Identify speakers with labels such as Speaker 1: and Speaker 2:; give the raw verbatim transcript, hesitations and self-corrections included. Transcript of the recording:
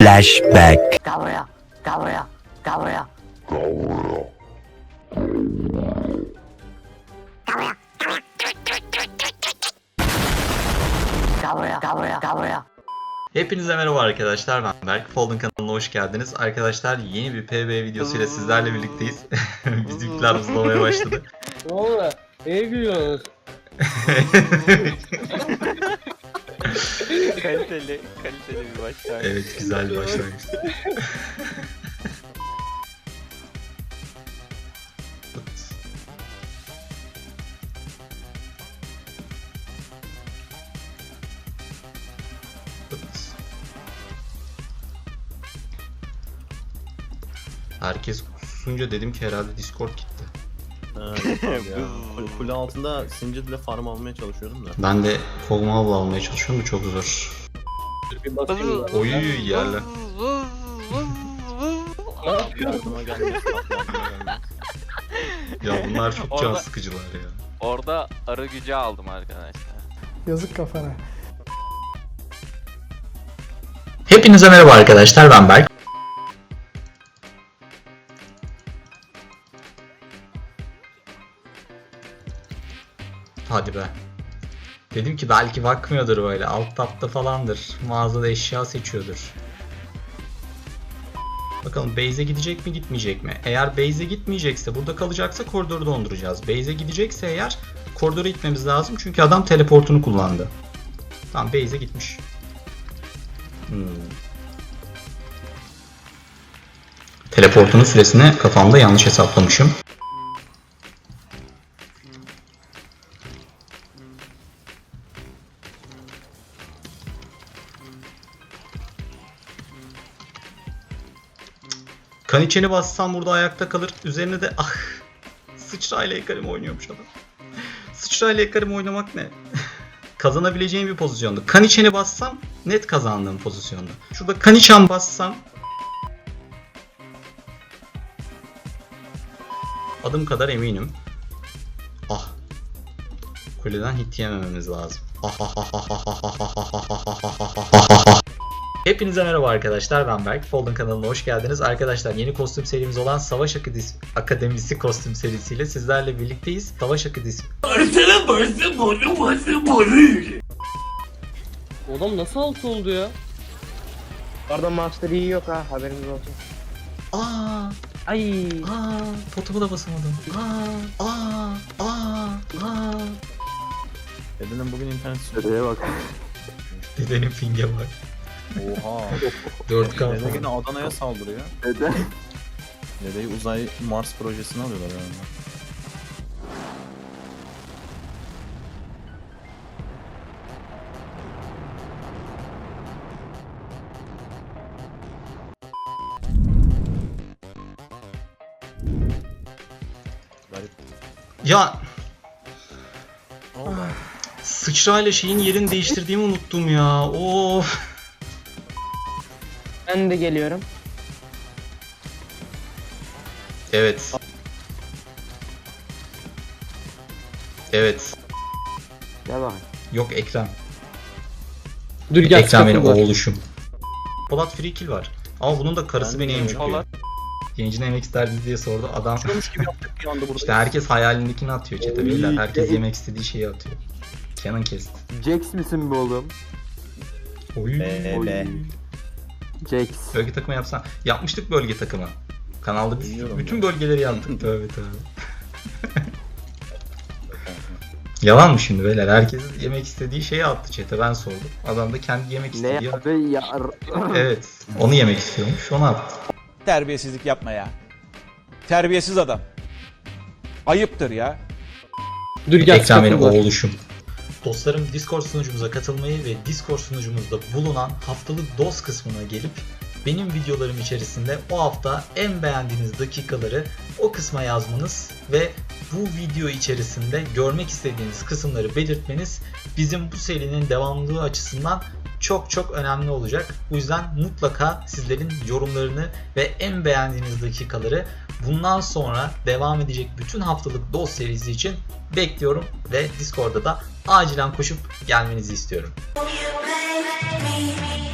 Speaker 1: Flashback.
Speaker 2: Gel buraya. Gel buraya. Gel buraya. Gel buraya. Gel buraya. Gel buraya.
Speaker 3: Hepinize merhaba arkadaşlar, ben Berk. Folding kanalına hoş geldiniz. Arkadaşlar yeni bir P B videosuyla sizlerle birlikteyiz. Bizimkiler uzlamaya başladı.
Speaker 4: Ne oldu? İyi gülüyorsunuz.
Speaker 5: Kaliteli, kaliteli bir başlangıç.
Speaker 3: Evet, güzel bir başlangıç. Herkes susunca dedim ki herhalde Discord gitti.
Speaker 6: Evet, ya. Kule- Kule altında Singed ile farm almaya çalışıyorum da.
Speaker 3: Ben de Fogmav'la almaya çalışıyorum da çok zor.
Speaker 4: Bir bakayım.
Speaker 3: Oy yerler.
Speaker 6: Yardıma gelmesi, yardıma gelmesi.
Speaker 3: Ya bunlar çok can
Speaker 5: Orada-
Speaker 3: sıkıcılar ya.
Speaker 5: Orada arı gücü aldım arkadaşlar.
Speaker 7: Yazık kafana.
Speaker 3: Hepinize merhaba arkadaşlar, ben Berk. Hadi be. Dedim ki belki bakmıyordur böyle, alt tapta falandır. Mağazada eşya seçiyordur. Bakalım base'e gidecek mi gitmeyecek mi? Eğer base'e gitmeyecekse, burada kalacaksa koridoru donduracağız. Base'e gidecekse eğer koridora gitmemiz lazım çünkü adam teleportunu kullandı. Tamam, base'e gitmiş. Hmm. Teleportunun süresini kafamda yanlış hesaplamışım. Kan içeni bassam burada ayakta kalır. Üzerine de ah, sıçrayla Ekarim oynuyormuş adam. Sıçrayla Ekarim oynamak ne? Kazanabileceğim bir pozisyonda. Kan içeni bassam net kazandığım pozisyonda. Şurada kan içen bassam adım kadar eminim. Ah. Kuleden hit yemememiz lazım. Ah ah ah ah ah ah ah ah ah ah ah ah ah. Hepinize merhaba arkadaşlar, ben Berk. Folding kanalına hoş geldiniz. Arkadaşlar yeni kostüm serimiz olan Savaş Akademisi kostüm serisiyle sizlerle birlikteyiz. Savaş Akademisi...
Speaker 4: Adam nasıl alt oldu ya?
Speaker 8: Orada Master iyi yok ha, haberiniz olsun.
Speaker 3: Aa,
Speaker 8: Ay.
Speaker 3: aa, potumu da basamadım. Aa, aa, aa, aa.
Speaker 6: Dedenin bugün internet
Speaker 8: Dedeye bak.
Speaker 3: Dedenin finge var.
Speaker 6: Oha.
Speaker 3: dört K
Speaker 6: Dede
Speaker 3: falan.
Speaker 6: yine Adana'ya saldırıyor.
Speaker 8: Dede.
Speaker 6: Dedeyi uzay Mars projesine alıyorlar yani. Garip.
Speaker 3: Ya
Speaker 6: Ne oldu?
Speaker 3: sıçrayla şeyin yerini değiştirdiğimi unuttum ya. Of.
Speaker 8: Ben de geliyorum.
Speaker 3: Evet. Evet.
Speaker 8: Gel bak.
Speaker 3: Yok Ekrem.
Speaker 4: Dur gel.
Speaker 3: Ekrem benim
Speaker 4: sıkıntı var.
Speaker 3: oğluşum. Polat free kill var. Ama bunun da karısı
Speaker 6: Ben
Speaker 3: beni
Speaker 6: de
Speaker 3: emcikliyor.
Speaker 5: Polat.
Speaker 3: Yayıncı ne yemek isterdiniz diye sordu. Adam
Speaker 6: Yapıyormuş gibi yaptık bir anda burada.
Speaker 3: işte herkes hayalindekini atıyor çete beyler. Herkes yemek istediği şeyi atıyor. Canon kesti.
Speaker 8: Jax misin be oğlum?
Speaker 3: Oy.
Speaker 6: Bebe.
Speaker 8: Jax.
Speaker 3: Bölge takımı yapsan. Yapmıştık bölge takımı. Kanalda biz
Speaker 6: Biliyorum
Speaker 3: bütün
Speaker 6: ya.
Speaker 3: bölgeleri yaptık. Tövbe tövbe. Yalan mı şimdi beyler? Herkes yemek istediği şeyi attı chat'e, ben sordum. Adam da kendi yemek
Speaker 8: Ne
Speaker 3: istediği...
Speaker 8: abi ya?
Speaker 3: Evet. Onu yemek istiyormuş. Onu attı.
Speaker 9: Terbiyesizlik yapma ya. Terbiyesiz adam. Ayıptır ya.
Speaker 4: Dur gel.
Speaker 3: Ekrem benim
Speaker 4: sıkıntı var.
Speaker 3: oğluşum. Dostlarım, Discord sunucumuza katılmayı ve Discord sunucumuzda bulunan haftalık dost kısmına gelip benim videolarım içerisinde o hafta en beğendiğiniz dakikaları o kısma yazmanız ve bu video içerisinde görmek istediğiniz kısımları belirtmeniz bizim bu serinin devamlılığı açısından çok çok önemli olacak. Bu yüzden mutlaka sizlerin yorumlarını ve en beğendiğiniz dakikaları bundan sonra devam edecek bütün haftalık dost serisi için bekliyorum ve Discord'da da acilen koşup gelmenizi istiyorum.
Speaker 2: You play me.